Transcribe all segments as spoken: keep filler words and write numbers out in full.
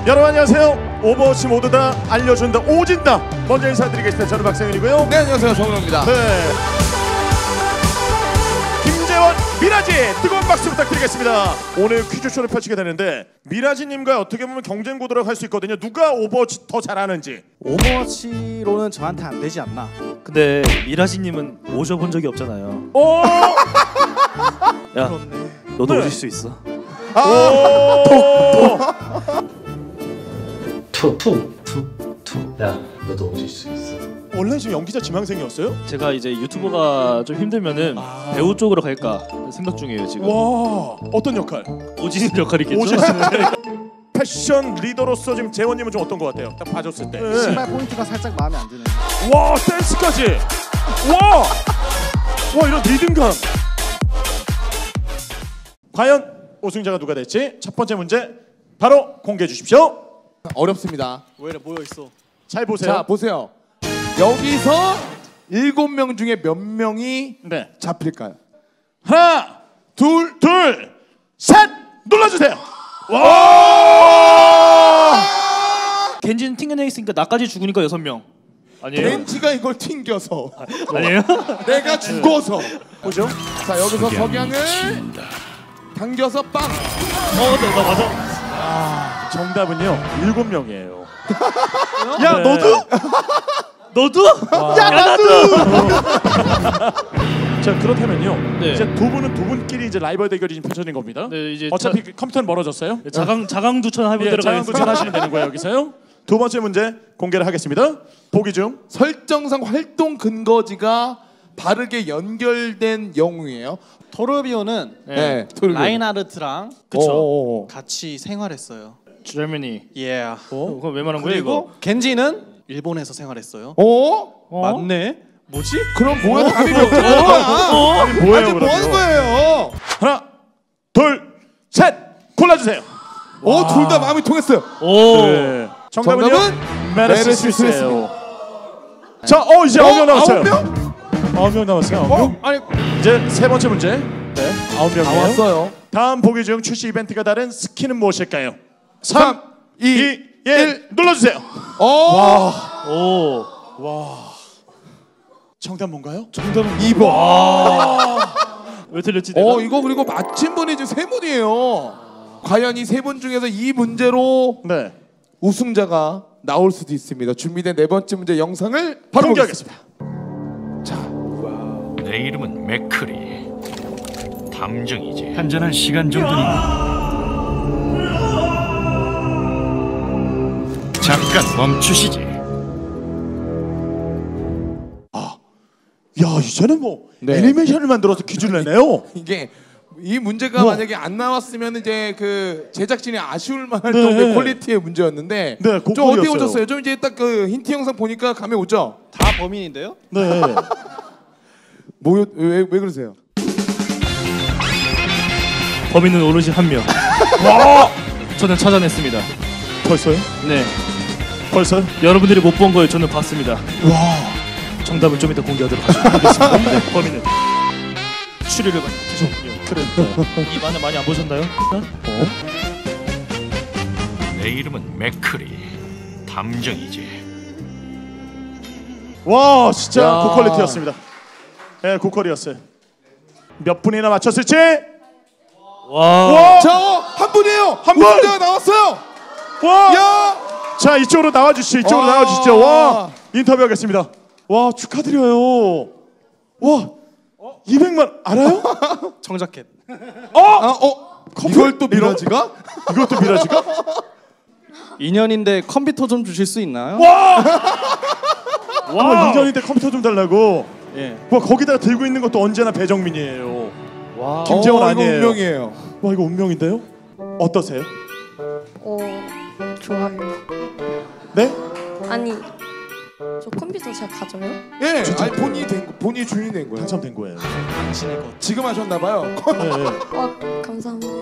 여러분 안녕하세요. 오버워치 모두 다 알려준다 오진다. 먼저 인사드리겠습니다. 저는 박상현이고요. 네, 안녕하세요. 정우영입니다. 네. 김재원, 미라지 뜨거운 박수 부탁드리겠습니다. 오늘 퀴즈쇼를 펼치게 되는데 미라지님과 어떻게 보면 경쟁 구도라고 할 수 있거든요. 누가 오버워치 더 잘하는지. 오버워치로는 저한테 안 되지 않나. 근데 미라지님은 오셔본 적이 없잖아요. 오! 야, 그렇네. 너도 네. 오실 수 있어. 오! 투, 투, 투, 투. 야, 너도 오실 수 있어. 원래 지금 연기자 지망생이었어요? 제가 이제 유튜버가 좀 힘들면은 아. 배우 쪽으로 갈까 생각 중이에요 지금. 와, 어떤 역할? 오진 역할이겠죠. 오진 패션 리더로서 지금 재원님은 좀 어떤 것 같아요? 딱 봐줬을 때. 네. 신발 포인트가 살짝 마음에 안 드네. 와, 댄스까지. 와, 와 이런 리듬감. 과연 우승자가 누가 될지 첫 번째 문제 바로 공개해 주십시오. 어렵습니다. 왜 이래 모여 있어? 잘 보세요. 자, 보세요. 여기서 일곱 명 중에 몇 명이 네. 잡힐까요? 하나, 둘, 둘, 셋 눌러주세요. 와! 겐지는 튕겨내 있으니까 나까지 죽으니까 여섯 명. 아니에요? 벤치가 이걸 튕겨서 아니에요? 내가 죽어서. 보죠. 자, 여기서 석양을 당겨서 빵. 어, 나, 나 맞아. 정답은요 일곱 명이에요. 야, 네. 너도? 너도? 야, 나도. 자, 그렇다면요. 네. 이제 두 분은 두 분끼리 이제 라이벌 대결이 지금 펼쳐진 겁니다. 네, 이제 어차피 자, 컴퓨터는 멀어졌어요. 자강 자강두천 하면 예, 들어가겠습니다. 자강두천 하시면 되는 거예요 여기서요. 두 번째 문제 공개를 하겠습니다. 보기 중 설정상 활동 근거지가 바르게 연결된 영웅이에요. 토르비오는 네, 토르비오. 라인하르트랑 그쵸. 오, 같이 생활했어요. Germany. 예. 어? 그거 왜 말한 거예요 그리고 이거? 겐지는 일본에서 생활했어요. 어? 어? 맞네. 뭐지? 그럼 뭐야? 답이 몇 개야? 아니 뭐예요 아니, 뭐 하는 그러면? 거예요? 하나, 둘, 셋 골라주세요. 어, 둘 다 마음이 통했어요. 오. 네. 정답은요? 정답은 메르시스예요. 자, 어 이제 아홉 명 남았어요. 아홉 명? 아홉 명 남았어요. 아홉 어? 명. 아니, 이제 세 번째 문제. 네, 아홉 다 명이에요. 왔어요. 다음 보기 중 출시 이벤트가 다른 스킨은 무엇일까요? 삼, 삼, 이, 이, 일 눌러주세요. 어. 오. 정답 뭔가요? 정답은 이 번. 왜 틀렸지 내가? 어, 이거 그리고 맞힌 분이 지금 세 분이에요. 과연 이 세 분 중에서 이 문제로 네, 우승자가 나올 수도 있습니다. 준비된 네 번째 문제 영상을 바로 공개하겠습니다. 자, 내 이름은 맥크리. 탐정이지. 한잔할 시간 정도니. 잠깐 멈추시지. 야, 이제는 뭐 네. 애니메이션을 만들어서 퀴즈를 내네요. 이게 이 문제가 뭐. 만약에 안 나왔으면 이제 그 제작진이 아쉬울 만할 네. 정도의 퀄리티의 문제였는데 네, 좀 고퀄이었어요. 어떻게 오셨어요? 좀 이제 딱 그 힌트 영상 보니까 감이 오죠? 다 범인인데요? 네. 뭐, 왜, 왜 그러세요? 범인은 오로지 한 명. 와! 저는 찾아냈습니다. 벌써요? 네. 벌써요? 여러분들이 못 본 걸 저는 봤습니다. 와. 정답은 좀 이따 공개하도록 하겠습니다. 네, 범인은 추리를 많이 하셨군요. 그래. 이 만화 많이 안 보셨나요? 어? 내 이름은 맥크리. 탐정이지. 와, 진짜 야. 고퀄리티였습니다. 예, 고퀄이었어요. 몇 분이나 맞췄을지? 와. 와! 자, 어, 한 분이에요. 한 분! 우승자가 나왔어요. 와! 야! 자, 이쪽으로 나와 주시죠. 이쪽으로 와. 나와 주시죠. 와! 인터뷰하겠습니다. 와, 축하드려요. 와! 이백만 알아요? 청자켓. 어! 아, 어? 이걸 또 미라지가? 이것도 미라지가? 인연인데 컴퓨터 좀 주실 수 있나요? 와! 와, 이 년인데 컴퓨터 좀 달라고. 예. 와, 거기다가 들고 있는 것도 언제나 배정민이에요. 와. 김재원 어, 아니에요. 이거 운명이에요. 와, 이거 운명인데요? 어떠세요? 어, 좋아요. 네? 아니, 저 컴퓨터 제가 가져요? 예, 아니 본인이 된 거, 본인이 주인이 된 거예요. 당첨된 거예요. 당신의 것. 지금 하셨나 봐요. 네, 네. 와, 감사합니다.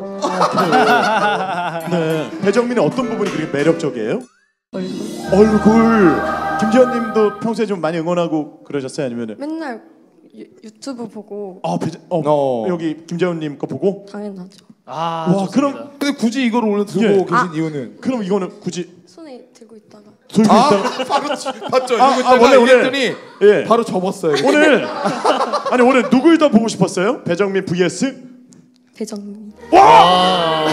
네. 배정민의 어떤 부분이 그렇게 매력적이에요? 얼굴. 얼굴. 김지현님도 평소에 좀 많이 응원하고 그러셨어요? 아니면은? 맨날 유, 유튜브 보고 아, 배정, 어, 어. 여기 김재훈님 거 보고? 당연하죠. 아, 와, 좋습니다. 그럼 근데 굳이 이걸 오늘 들고 예. 계신 아. 이유는? 그럼 이거는 굳이 손에 들고 있다가 들고 아, 있다가 바로 지- 봤죠. 아, 이거 아, 원래, 원래 원래. 이랬더니 예. 바로 접었어요. 오늘 아니 오늘 누굴 더 보고 싶었어요? 배정민 vs 배정민. 우와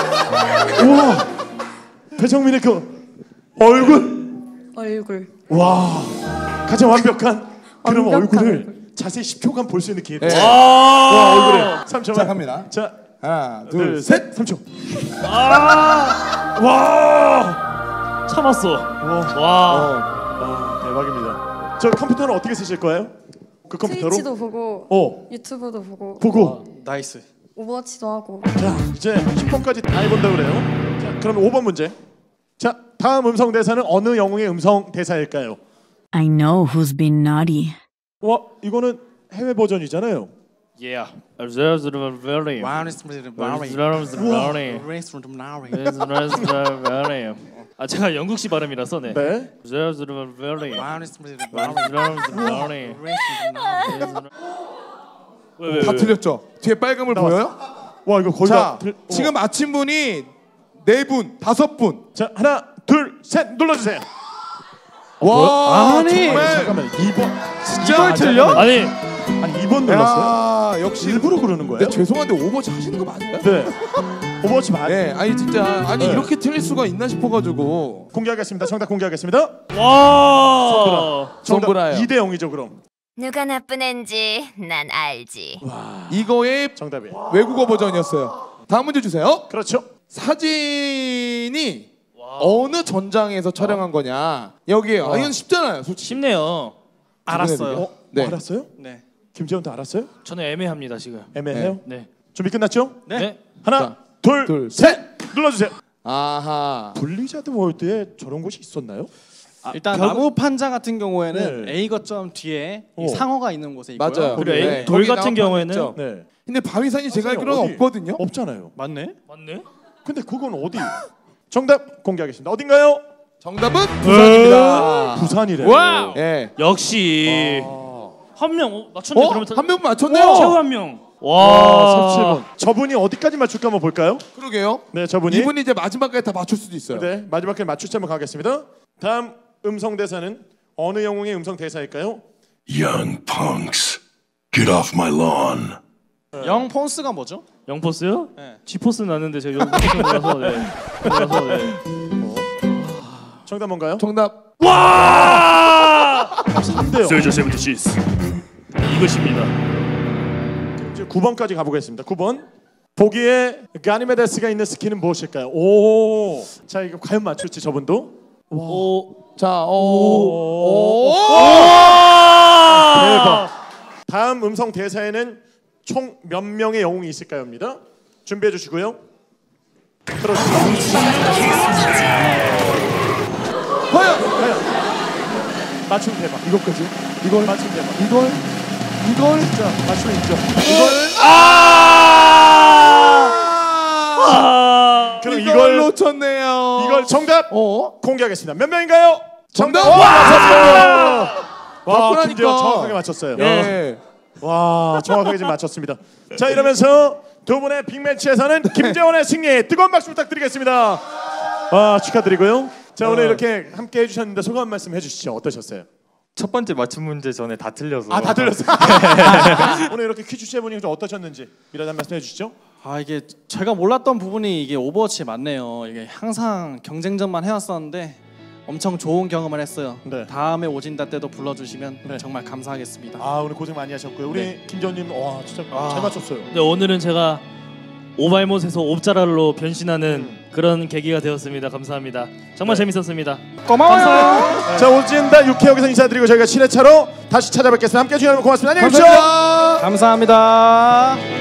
배정민의 그 얼굴 얼굴. 와 가장 완벽한 그런 완벽한 얼굴을 얼굴. 자세히 십 초간 볼 수 있는 기회. 네. 와 얼굴에 삼 초만. 자, 갑니다. 자 하나, 둘, 둘, 셋, 삼 초. 와, 참았어. 와, 와. 아, 대박입니다. 저 컴퓨터는 어떻게 쓰실 거예요? 그 컴퓨터로? 트위치도 보고 어, 유튜브도 보고 보고. 나이스. 오버워치도 하고. 자, 이제 십 번까지 다 해본다 그래요. 자, 그럼 오 번 문제. 자, 다음 음성 대사는 어느 영웅의 음성 대사일까요? I know who's been naughty. 와, 이거는 해외 버전이잖아요. Yeah. 아 제가 영국식 발음이라서 네. 네. 왜, 왜, 다 왜? 틀렸죠. 뒤에 빨간불 나왔어. 보여요? 와, 이거 거의 자, 다 들... 지금 아침 분이 네 분, 다섯 분. 자, 하나, 둘, 셋 눌러주세요. 와, 아니, 정말 잠깐만, 이 번. 진짜 이걸 틀려? 아니 아니, 이 번 눌렀어요? 야, 역시 일부러 그러는 거예요? 근데 죄송한데 오버워치 하시는 거 맞아요? 네. 오버워치 맞. 네, 아니 진짜 아니 네. 이렇게 틀릴 수가 있나 싶어가지고. 공개하겠습니다. 정답 공개하겠습니다. 와. 정답 손보라요. 이 대 영이죠, 그럼. 누가 나쁜 앤지 난 알지. 이거의 정답이. 외국어 버전이었어요. 다음 문제 주세요. 그렇죠. 사진이 어느 전장에서 촬영한 거냐? 여기에요. 아, 이건 쉽잖아요, 솔직히. 쉽네요. 알았어요. 어? 네. 뭐 알았어요? 네. 김재훈도 알았어요? 저는 애매합니다 지금. 애매해요? 네. 준비 끝났죠? 네. 네. 하나, 자, 둘, 둘, 셋. 눌러주세요. 아하. 블리자드 월드에 저런 곳이 있었나요? 일단 벽- 나무 판자 같은 경우에는 네. A 거점 뒤에 이 어. 상어가 있는 곳에 있고요. 맞아요. 그리고 네. 에이- 돌 거기 같은 나온 경우에는 판 있죠. 네. 근데 바위산이 제가 알기로는 어디? 없거든요. 없잖아요. 맞네. 맞네. 근데 그건 어디? 정답 공개하겠습니다. 어딘가요? 정답은 부산입니다. 부산이래요. 와우. 예. 역시 아. 한 명 어, 맞췄네. 어? 그러면 한 명 맞췄네요. 최후 한 명. 와, 와. 섭씨 분. 저분이 어디까지 맞출까 한번 볼까요? 그러게요. 네, 저분이. 이분이 이제 마지막까지 다 맞출 수도 있어요. 네, 마지막에 맞출지 한번 가겠습니다. 다음 음성 대사는 어느 영웅의 음성 대사일까요? Young punks, get off my lawn. 영 폰스가 뭐죠? 영포스요? 네. G포스 났는데 제가 영포스 몰라서 네. 몰라서 네. 정답 뭔가요? 정답. 와! 삼 대요. 세저 세븐티시스. 이것입니다. 이제 구 번까지 가보겠습니다. 구 번. 보기에 가니메데스가 있는 스킨은 무엇일까요? 오, 자 이거 과연 맞출지 저분도. 오. 자, 오. 오. 오. 대박. 다음 음성 대사에는 총 몇 명의 영웅이 있을까요?입니다. 준비해 주시고요. 들어주세요. 과연 과연 맞춤 대박. 이것까지? 이걸 맞춤 대박. 이걸 이걸 진짜 맞춤 있죠. 이걸 아! 그럼 이걸 이걸 놓쳤네요. 이걸 정답 어? 공개하겠습니다. 몇 명인가요? 정답! 와, 맞췄어요. 와, 바꾸라니까. 김재원 정확하게 맞췄어요. 예. 와, 정확하게 지금 맞췄습니다. 자, 이러면서 두 분의 빅매치에서는 김재원의 승리 뜨거운 박수 부탁드리겠습니다. 와, 축하드리고요. 자, 오늘 이렇게 함께 해주셨는데 소감 한 말씀 해주시죠. 어떠셨어요? 첫 번째 맞춤 문제 전에 다 틀려서 아, 다 들렸어요. 오늘 이렇게 퀴즈 해보니 좀 어떠셨는지 미라도 한 말씀 해주시죠. 아 이게 제가 몰랐던 부분이 이게 오버워치에 맞네요. 이게 항상 경쟁전만 해왔었는데 엄청 좋은 경험을 했어요. 네. 다음에 오진다 때도 불러주시면 네. 정말 감사하겠습니다. 아, 오늘 고생 많이 하셨고요. 우리 네. 김재원님, 와, 진짜 아. 잘 맞췄어요. 네, 오늘은 제가 오발못에서 옵자랄로 변신하는 음. 그런 계기가 되었습니다. 감사합니다. 정말 네. 재밌었습니다. 고마워요. 자, 오진다 육 회 여기서 인사드리고 저희가 칠 회차로 다시 찾아뵙겠습니다. 함께 해주셔서 고맙습니다. 안녕히 계십시오. 감사합니다. 감사합니다.